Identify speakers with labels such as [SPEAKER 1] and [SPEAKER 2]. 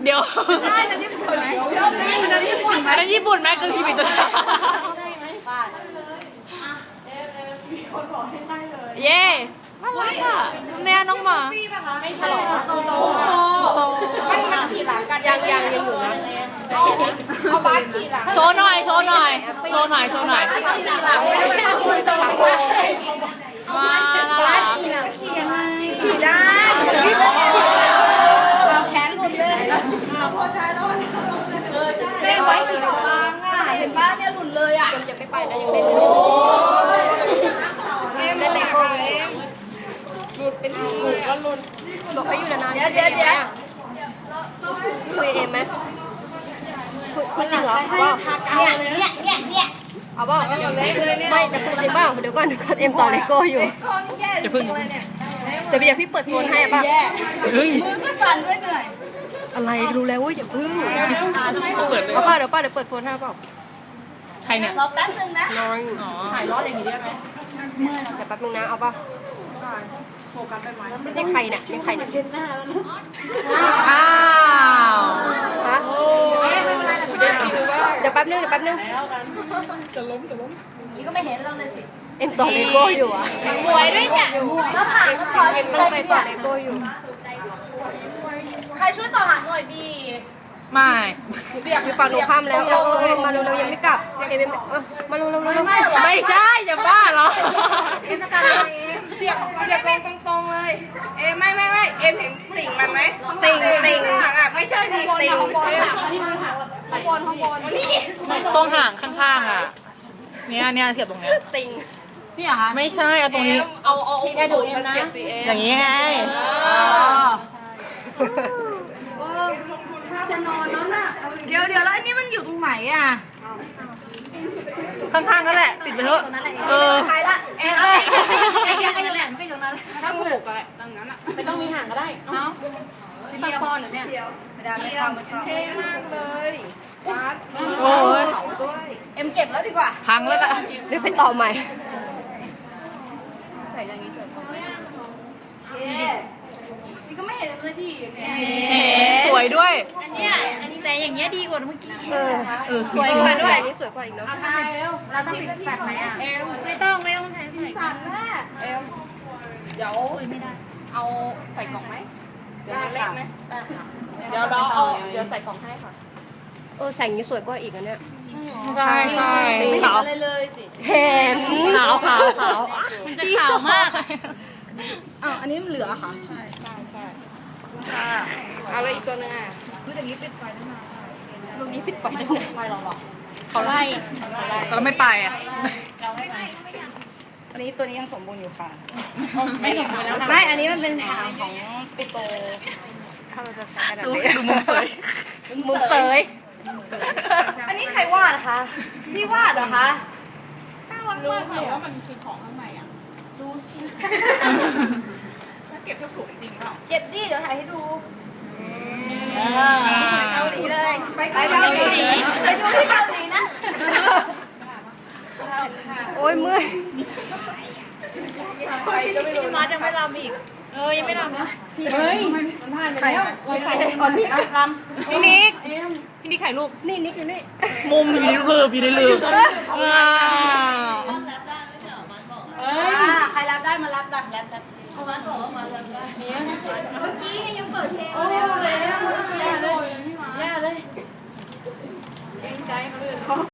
[SPEAKER 1] เดี๋ยว
[SPEAKER 2] ได้แต่ญี่ปุ่นไหมแต่ญี่ปุ่นไหม
[SPEAKER 1] อันนั้นญี่ปุ่นไหมคือพี่ปิดตัวเย่น่ารักอ่ะเนี่ยน้องหมา
[SPEAKER 2] ไม่ใช่โตมันขี่หลังกันยังอยู่นะเอาบ้านขี่หลัง
[SPEAKER 1] โชว์หน่อยโชว์หน่อยโชว์หน่อยโชว์หน่อย
[SPEAKER 2] ขี่หลังไม่ได้คุยตลอดเลย
[SPEAKER 1] ว้าวน่ารัก
[SPEAKER 2] ขี่ยังไงขี่ได้เราแขนหลุดเลยพอใจแล้วเจ๊ไว้ขี่บางอ่ะเห็นบ้านเนี่ยหลุดเลยอ่ะจะไปนะยังเล่นอยู่เอ็มเล่นเลโก้เอ็มหลุดเป็นหลุดก็หลุดบอกให้อยู่นานๆเดี๋ยวคุยเอ็มไหมคุยจริงเหรอว่าเนี่ยเอาบ้างไม่แต่คุยจริงบ้างเดี๋ยวก่อนเอ็มต่อเลโก้อยู่
[SPEAKER 1] อย่าพึ่ง
[SPEAKER 2] แต่เดี๋ยวพี่เปิดโฟนให้ป่ะ
[SPEAKER 1] เฮ้ย
[SPEAKER 2] มือก็สั่นด้วยเหนื่อยอะไรรู้แล้วว่าอย่าพึ่ง
[SPEAKER 1] เปิดเลย
[SPEAKER 2] เอาป่ะเดี๋ยวเปิดโฟนให้ป่ะ
[SPEAKER 1] ใครเนี่ย
[SPEAKER 2] รอแป๊บนึงนะ
[SPEAKER 1] น้อยอ๋อถ่ายรอดอย่างนี้ได้ไหม
[SPEAKER 2] เดี๋ยวแป๊บนึงนะเอาป่ะนี่ใครเนี่ยเช็ดหน้าแล้วนะ
[SPEAKER 1] อ้าว
[SPEAKER 2] ฮะเดี๋ยวแป๊บนึง
[SPEAKER 1] จะล้ม
[SPEAKER 2] นี่ก็ไม่เห็นเราเลยสิเอ็มต่อเลโก้อยู่อ่ะ
[SPEAKER 1] สวยด้วยเนี่ย
[SPEAKER 2] แล้วผ่านมันต่อเอ็มตั้งใจต่อเลโก้อยู่ใครช่วยต่อหางหน่อยดี
[SPEAKER 1] ไม่
[SPEAKER 2] เสียบอยู่ฝั่งตรงข้ามแล้วมาเร็วยังไม่กลับเอ็มมาเร็ว
[SPEAKER 1] ไม่ใช่อย่าบ้าเหรอ
[SPEAKER 2] เอ็มต้องการอะไรเสียบตรงเลยเอ็มไม่เอ็มเห็นติ่งมันไหมติ่งหางอ่ะไม่ใช่ดิติ่ง
[SPEAKER 1] ตรงห่างข้างๆอ่ะเนี่ยเสียบตรงเนี้ย
[SPEAKER 2] ติ่ง
[SPEAKER 1] นี่เหรอคะไม่ใช่เอาตรงนี้เอาที่แค่ดูเอ็มนะอย่างนี้ไง
[SPEAKER 2] จะนอนแล้วน่ะเดี๋ยวแล้วอันนี้มันอยู่ตรงไหนอ่ะ
[SPEAKER 1] ข้างๆนั่นแหละติดไปเถอะ
[SPEAKER 2] ใช่ละ
[SPEAKER 1] ไอ้นั่นแหละไม่อยู่นั้นถ้าผูกอะไรตรงนั้นอ่ะไม่ต้องมีห่างก็ได้เนาะที่ปังปอนเนี่ย
[SPEAKER 2] ไม่ได้ไม่ทำเท่มากเลยวัด
[SPEAKER 1] โอ้ย
[SPEAKER 2] เอ็มเก็บแล้วดีกว่า
[SPEAKER 1] พังแล้วล่ะ
[SPEAKER 2] เดี๋ยวไปต่อใหม่นี่ก็ไม่เห็นเลยดิเนี่ย
[SPEAKER 1] สวยด้วย
[SPEAKER 3] แต่อย่างเงี้ยดีกว่าเมื่อกี้
[SPEAKER 1] สวยกว่าด้วย
[SPEAKER 2] อันนี้สวยกว่าอีกเนาะใช่
[SPEAKER 3] เราต้องปิดแฟลชไหมอ่ะ
[SPEAKER 2] เอ็ม
[SPEAKER 3] ไม่ต้องใช้สิ
[SPEAKER 2] สั่นแน่เอ็มเดี๋ยว
[SPEAKER 3] ไม่ได้
[SPEAKER 2] เอาใส่กล่องไหมเดี๋ยวเล็กไหมเดี๋ยวเราเอาเดี๋ยวใส่กล่องให้ค่ะใส่อย่างนี้สวยกว่าอีกอันเนี้ย
[SPEAKER 1] ใช่ใช่
[SPEAKER 2] ไม่เห็น
[SPEAKER 1] ขาว
[SPEAKER 2] อะไรเลยสิเห็น
[SPEAKER 1] ขาว
[SPEAKER 3] มันจะขาวมาก
[SPEAKER 2] อ้าวอันนี้มันเหลือค่ะใช่ค่ะเอาเลยอีกตัวนึงอ่ะคืออย่างนี้ปิดไฟได้ไหมตรงนี้ปิดไฟได้ไหมไฟหรอ
[SPEAKER 1] เขาไล่แต่เราไม่ไปอ่ะ
[SPEAKER 2] อันนี้ตัวนี้ยังสมบูรณ์อยู่ค่ะ
[SPEAKER 1] ไม่
[SPEAKER 2] อันนี้มันเป็นทางของปิโตถ้าเราจะใช้กระดาษ
[SPEAKER 1] ดูมุมเสย
[SPEAKER 2] มุมเสยอันนี้ใครวาดนะคะพี่วาดเหรอคะน่ารักมากเลยว่ามันคือของข้างในอ่ะดูสิเก็บทุกถุงจริงเปล่าเก็บดิเดี๋ยวถ่ายให้ดูเกาหลีเลยไปเกาหลีไปดูที่เกาหลีนะโอ้ยเมื่อย
[SPEAKER 3] มาจะไม่รำอีกยังไม่รำนะ
[SPEAKER 2] เฮ้ยมันผ่านไปแล้วใครก่อนนี่อ่ะลำ
[SPEAKER 1] พี่นิกถ่ายรูป
[SPEAKER 2] นี่นิกอยู่นี่
[SPEAKER 1] มุมอยู่ในลืบว้าว
[SPEAKER 2] ใครรับได้มารับดักรับเอามาต่อมารับได้เมื่อกี้ยังเปิดเพลงแล้ว